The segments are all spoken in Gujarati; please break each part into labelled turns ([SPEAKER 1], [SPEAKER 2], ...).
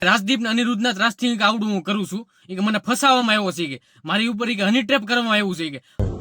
[SPEAKER 1] રાજદીપ ને અનિરુદ્ધના ત્રાસથી આવડું હું કરું છું કે મને ફસાવવામાં આવ્યો છે કે મારી ઉપર હની ટ્રેપ કરવામાં આવ્યું છે કે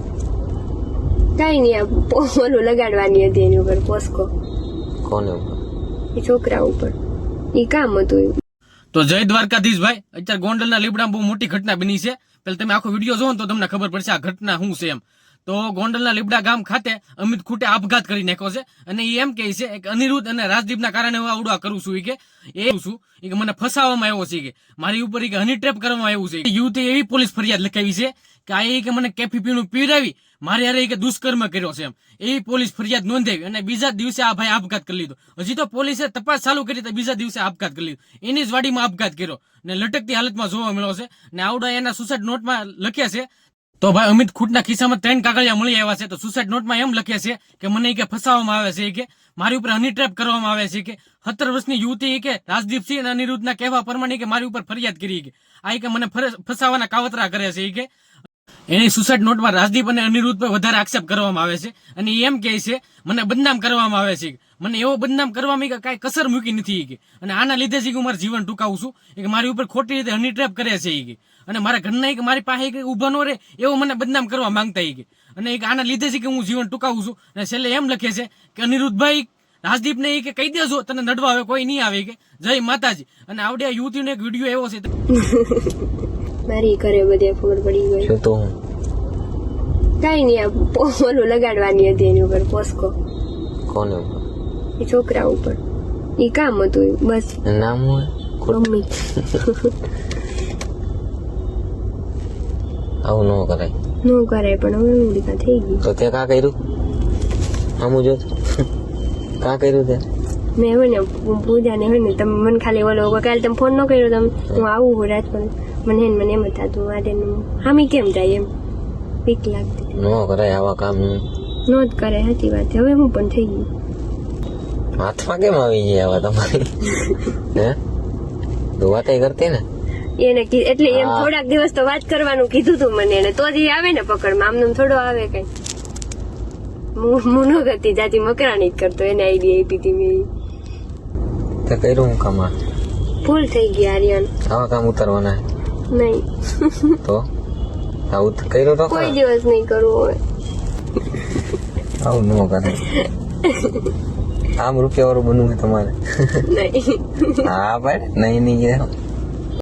[SPEAKER 2] કઈ નહીં ઓલું લગાડવાની હતી એની ઉપર પોસ્કો.
[SPEAKER 3] કોને ઉપર?
[SPEAKER 2] એ છોકરા ઉપર. એ કામ હતું.
[SPEAKER 1] તો જય દ્વારકાધીશ ભાઈ, અત્યારે ગોંડલના લીબડામાં બહુ મોટી ઘટના બની છે. પેલા તમે આખો વિડીયો જોવો તો તમને ખબર પડશે આ ઘટના શું છે એમ. તો ગોંડલના લીબડા ગામ ખાતે અમિત ખૂટે આપઘાત કરી નાખ્યો છે અને એ એમ કહે છે કે અનિરુદ્ધ અને રાજદીપના કારણે હું આવડું કરું છું કે મને ફસાવવામાં આવ્યો છે કે મારી ઉપર હની ટ્રેપ કરવામાં આવ્યું છે. યુવતી એવી પોલીસ ફરિયાદ લખાવી છે કે આ કે મને કેફી પીણું પીવડાવી મારે યારે કે દુષ્કર્મ કર્યો છે એમ એવી પોલીસ ફરિયાદ નોંધાવી અને બીજા દિવસે આ ભાઈ આપઘાત કરી લીધો. હજી તો પોલીસે તપાસ ચાલુ કરી તો બીજા દિવસે આપઘાત કરી લીધો. એની જ વાડીમાં આપઘાત કર્યો ને લટકતી હાલતમાં જોવા મળ્યો છે ને આવડા એના સુસાઇડ નોટમાં લખ્યા છે. તો ભાઈ અમિત ખૂટના ખિસ્સામાં 3 કાગળિયા મળી આવ્યા છે. તો સુસાઇડ નોટમાં એમ લખ્યા છે કે મને કે ફસાવવામાં આવે છે કે મારી ઉપર હની ટ્રેપ કરવામાં આવે છે કે 17 વર્ષની યુવતી કે રાજદીપસિંહ અને અનિરુદ્ધના કહેવા પ્રમાણે કે મારી ઉપર ફરિયાદ કરી કે આ કે મને ફસાવાના કાવતરા કરે છે કે એની સુસાઇડ નોટમાં રાજદીપ અને અનિરુદ્ધ પર વધારે આક્ષેપ કરવામાં આવે છે અને એમ કહે છે મને બદનામ કરવામાં આવે છે. મને એવો બદનામ કરવામાં કે કાંઈ કસર મૂકી નથી કે અને આના લીધે જ હું મારું જીવન ટૂંકાવું છું કે મારી ઉપર ખોટી રીતે હની ટ્રેપ કરે છે કે અને મારા ઘરના કે મારી પાસે ઉભા નો રહે એવો મને બદનામ કરવા માંગતા કે અને આના લીધે છે કે હું જીવન ટૂંકાવું છું. અને છેલ્લે એમ લખે છે કે અનિરુદ્ધભાઈ રાજદીપને કે કહી દેજો તને નડવા આવે કોઈ નહીં આવે કે જય માતાજી. અને આવડે યુવતીનો એક વિડીયો એવો છે
[SPEAKER 2] મારી ઘરે બધે ખબર પડી ગઈ.
[SPEAKER 3] શું તો
[SPEAKER 2] કઈ નહીં ઓલું લગાડવાની હતી એની ઉપર પોસ્કો.
[SPEAKER 3] કોને ઉપર?
[SPEAKER 2] એ છોકરા ઉપર. એ કામ હતું બસ.
[SPEAKER 3] નામ હોય
[SPEAKER 2] મમ્મી.
[SPEAKER 3] આવું ન કરાય.
[SPEAKER 2] નો કરાય પણ હવે ઉડીકા થઈ ગઈ.
[SPEAKER 3] તો તે કા કર્યું? આમું જો કા કર્યું તે?
[SPEAKER 2] મેં હોય ને પૂજાને હોય ને તમે મને ખાલી ઓલો કાલે તમે ફોન ન કર્યો તમે હું આવું હું રાજકોટ મને એમ જ થતું આજે હામી કેમ જાય એમ બીક લાગતી.
[SPEAKER 3] ન કરાય આવા કામ.
[SPEAKER 2] નો જ કરે સાચી વાત. હવે હું પણ થઈ ગયું.
[SPEAKER 3] હાથમાં કેમ આવી જાય આવા તમારી? હે તો વાતે કરતી ને
[SPEAKER 2] એને એટલે એમ થોડાક દિવસ તો વાત કરવાનું કીધું તું મને એને તો જ આવે ને પકડમાં આમને થોડો આવે કઈ. હું ન કરતી જાતી મકરાણી જ કરતો એને આઈડિયા આપી હતી મેં.
[SPEAKER 3] તે કર્યું હું કામ?
[SPEAKER 2] ભૂલ થઈ ગઈ આર્યન.
[SPEAKER 3] આવા કામ ઉતારવાના
[SPEAKER 2] નહીં
[SPEAKER 3] તો આવું કર્યું તો
[SPEAKER 2] કોઈ દિવસ નહીં કરવું હોય.
[SPEAKER 3] આવું ન કરે. આમ રૂપિયા વાળું બનવું તમારે?
[SPEAKER 2] નહીં
[SPEAKER 3] હા ભાઈ નહીં નહીં